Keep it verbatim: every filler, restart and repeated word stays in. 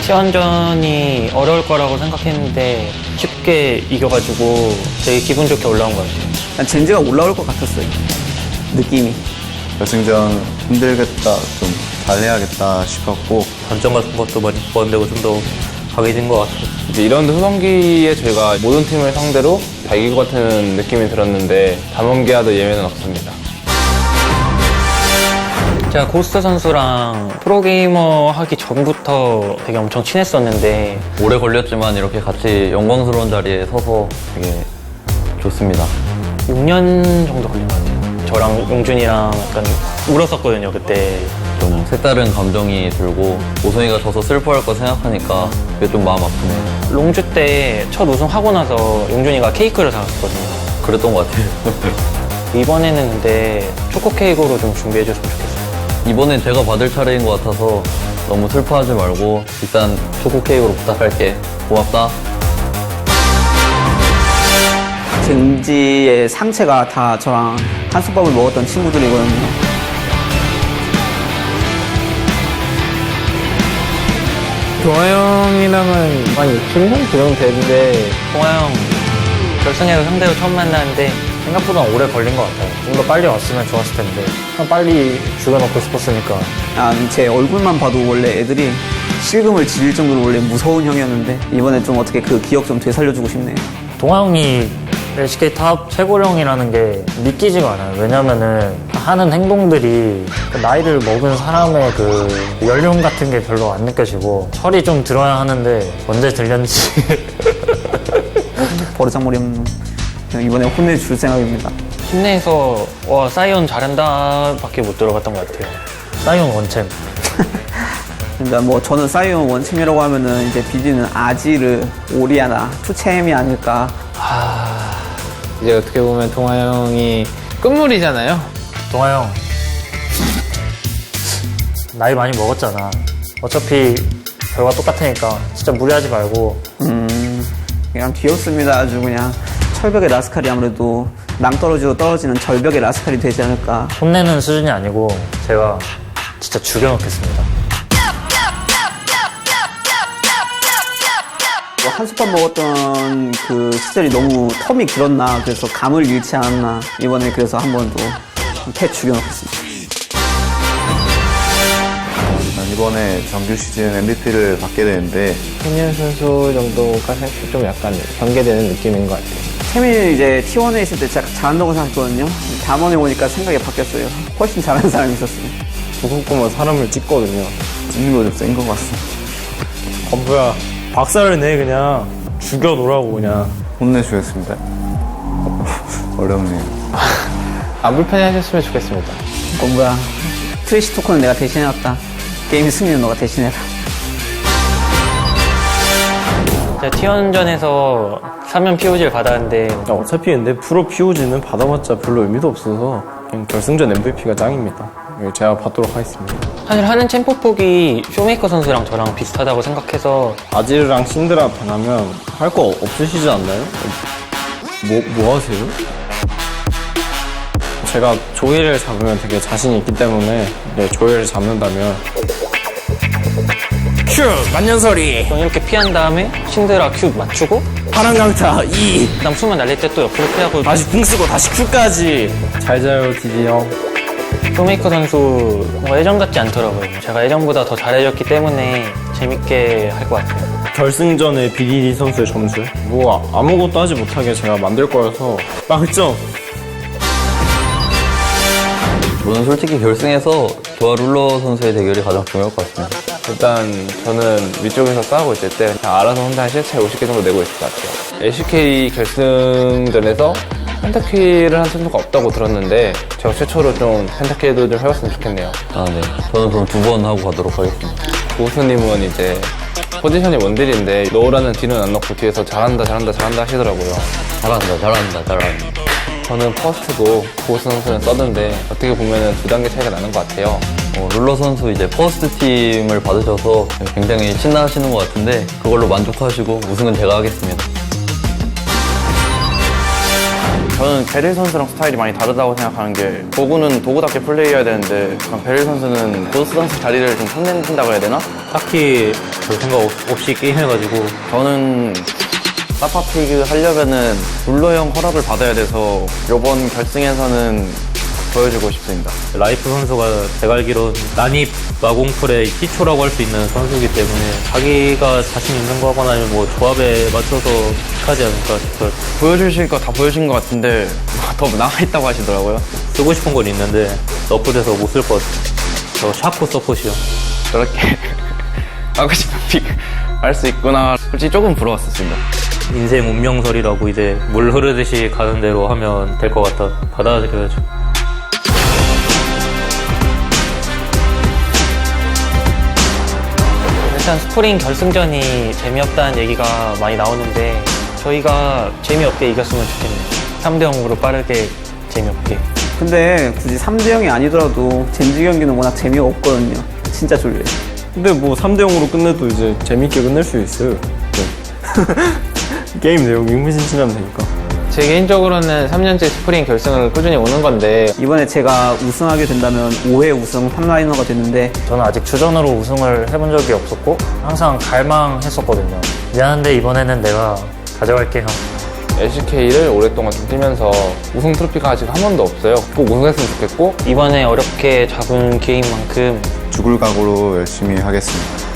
T원전이 어려울 거라고 생각했는데 쉽게 이겨가지고 되게 기분 좋게 올라온 것 같아요. 난 젠지가 올라올 것 같았어요. 느낌이. 결승전 힘들겠다, 좀 잘해야겠다 싶었고 단점 같은 것도 많이 보완되고 좀 더 강해진 것 같아요. 이제 이라운드 후반기에 저희가 모든 팀을 상대로 다 이길 것 같은 느낌이 들었는데 담원기아도 예외는 없습니다. 제가 고스트 선수랑 프로게이머 하기 전부터 되게 엄청 친했었는데 오래 걸렸지만 이렇게 같이 영광스러운 자리에 서서 되게 좋습니다. 육 년 정도 걸린 것 같아요. 저랑 용준이랑 약간 울었었거든요, 그때. 좀 색다른 감정이 들고 오성이가 져서 슬퍼할 거 생각하니까 그게 좀 마음 아프네요. 롱주 때 첫 우승하고 나서 용준이가 케이크를 사왔거든요. 그랬던 것 같아요. 이번에는 근데 초코 케이크로 좀 준비해줬으면 좋겠어요. 이번엔 제가 받을 차례인 것 같아서 너무 슬퍼하지 말고 일단 초코 케이크로 부탁할게. 고맙다. 젠지의 상체가 다 저랑 한솥밥을 먹었던 친구들이거든요. 동아 형이랑은 한 칠 년 그 정도 됐는데 동아 형 결승에서 상대로 처음 만나는데 생각보다 오래 걸린 것 같아요. 좀 더 빨리 왔으면 좋았을 텐데 그냥 빨리 죽여놓고 싶었으니까. 아, 제 얼굴만 봐도 원래 애들이 실금을 지릴 정도로 원래 무서운 형이었는데 이번에 좀 어떻게 그 기억 좀 되살려주고 싶네요. 동아 형이 엘시케이 탑 최고령이라는 게 믿기지가 않아요. 왜냐면은 하는 행동들이 그 나이를 먹은 사람의 그 연륜 같은 게 별로 안 느껴지고 철이 좀 들어야 하는데 언제 들렸는지 버르장머리 없는 그냥 이번에 혼내줄 생각입니다. 팀 내에서 와 사이언 잘한다 밖에 못 들어갔던 것 같아요. 사이언 원챔. 그러니까 뭐 저는 사이언 원챔이라고 하면은 이제 비디는 아지르, 오리아나, 투챔이 아닐까. 이제 어떻게 보면 동아 형이 끝물이잖아요. 동아 형 나이 많이 먹었잖아. 어차피 결과 똑같으니까 진짜 무리하지 말고. 음, 그냥 귀엽습니다. 아주 그냥 철벽의 라스칼이 아무래도 낭떠러지로 떨어지는 절벽의 라스칼이 되지 않을까. 혼내는 수준이 아니고 제가 진짜 죽여놓겠습니다. 뭐 한솥밥 먹었던 그 시절이 너무 텀이 길었나 그래서 감을 잃지 않았나. 이번에 그래서 한 번 더 패 죽여놓겠습니다. 난 이번에 정규 시즌 엠브이피를 받게 되는데 현현 선수 정도가 사실 좀 약간 경계되는 느낌인 것 같아요. 태민이 이제 티원에 있을 때 진짜 잘한다고 생각했거든요. 담원에 오니까 생각이 바뀌었어요. 훨씬 잘하는 사람이 있었어요. 조금만 사람을 찍거든요. 찍는 거 좀 센 것 같습니다. 어 뭐야 박살을 내 그냥 죽여놓으라고 그냥. 혼내주겠습니다. 어렵네요. 안 불편해하셨으면 좋겠습니다. 어 뭐야, 트래시 토큰은 내가 대신해왔다. 게임 승리는 너가 대신해라. 제가 T원전에서 삼 연 피오지를 받았는데 야, 어차피 근데 프로 피오지는 받아봤자 별로 의미도 없어서 그냥 결승전 엠브이피가 짱입니다. 제가 받도록 하겠습니다. 사실 하는 챔프 폭이 쇼메이커 선수랑 저랑 비슷하다고 생각해서 아지르랑 신드라 변하면 할 거 없으시지 않나요? 뭐, 뭐 하세요? 제가 조이를 잡으면 되게 자신이 있기 때문에 네, 조이를 잡는다면 큐! 만년설이! 좀 이렇게 피한 다음에 신드라 큐 맞추고 파란 강타 이! 그다음 수면 날릴 때 또 옆으로 피하고 다시 궁 쓰고 다시 큐까지! 잘 자요 디디 형. 쇼메이커 선수 뭔가 예전 같지 않더라고요. 제가 예전보다 더 잘해줬기 때문에 재밌게 할 것 같아요. 결승전의 비디디 선수의 점수 뭐 아무것도 하지 못하게 제가 만들 거여서 빵점! 저는 솔직히 결승에서 저와 룰러 선수의 대결이 가장 중요할 것 같습니다. 일단 저는 위쪽에서 싸우고 있을 때 그냥 알아서 혼자 한 실체 오십 개 정도 내고 있을 것 같아요. 엘시케이 결승전에서 펜타키를 한 선수가 없다고 들었는데 제가 최초로 좀 펜타키도 좀 해봤으면 좋겠네요. 아, 네. 저는 그럼 두 번 하고 가도록 하겠습니다. 고수님은 이제 포지션이 원딜인데 넣으라는 딜은 안 넣고 뒤에서 잘한다 잘한다 잘한다 하시더라고요. 잘한다, 잘한다, 잘한다. 저는 퍼스트고 고수 선수는 서든데 어떻게 보면 두 단계 차이가 나는 것 같아요. 어, 룰러 선수 이제 퍼스트 팀을 받으셔서 굉장히 신나하시는 것 같은데 그걸로 만족하시고 우승은 제가 하겠습니다. 저는 베릴 선수랑 스타일이 많이 다르다고 생각하는 게 도구는 도구답게 플레이해야 되는데 약간 베릴 선수는 고스 선수 자리를 좀 탐낸다고 해야 되나? 딱히 별 생각 없- 없이 게임해가지고 저는 사파피그 하려면은 룰러 형 허락을 받아야 돼서 이번 결승에서는 보여주고 싶습니다. 라이프 선수가 제가 알기로 난입 마공풀의 기초라고 할 수 있는 선수이기 때문에 자기가 자신 있는 거거나 아니면 뭐 조합에 맞춰서 하지 않을까 싶어요. 보여주실 거 다 보여주신 것 같은데 더 남아있다고 하시더라고요. 쓰고 싶은 건 있는데 너프돼서 못 쓸 것 같아요. 저 샤코 서폿이요. 저렇게 하고 싶은 픽 할 수 있구나. 솔직히 조금 부러웠었습니다. 인생 운명설이라고 이제 물 흐르듯이 가는 대로 하면 될 것 같아. 받아들여야죠. 일단 스프링 결승전이 재미없다는 얘기가 많이 나오는데 저희가 재미없게 이겼으면 좋겠네요. 삼 대 영으로 빠르게 재미없게. 근데 굳이 삼 대 영이 아니더라도 젠지 경기는 워낙 재미가 없거든요. 진짜 졸려요. 근데 뭐 삼 대 영으로 끝내도 이제 재밌게 끝낼 수 있어요. 네. 게임 내용이 흥미진진하면 되니까. 제 개인적으로는 삼 년째 스프링 결승을 꾸준히 오는 건데 이번에 제가 우승하게 된다면 오 회 우승 삼 라이너가 됐는데 저는 아직 주전으로 우승을 해본 적이 없었고 항상 갈망했었거든요. 미안한데 이번에는 내가 가져갈게요. 엘씨케이를 오랫동안 좀 뛰면서 우승 트로피가 아직 한 번도 없어요. 꼭 우승했으면 좋겠고 이번에 어렵게 잡은 기회인 만큼 죽을 각오로 열심히 하겠습니다.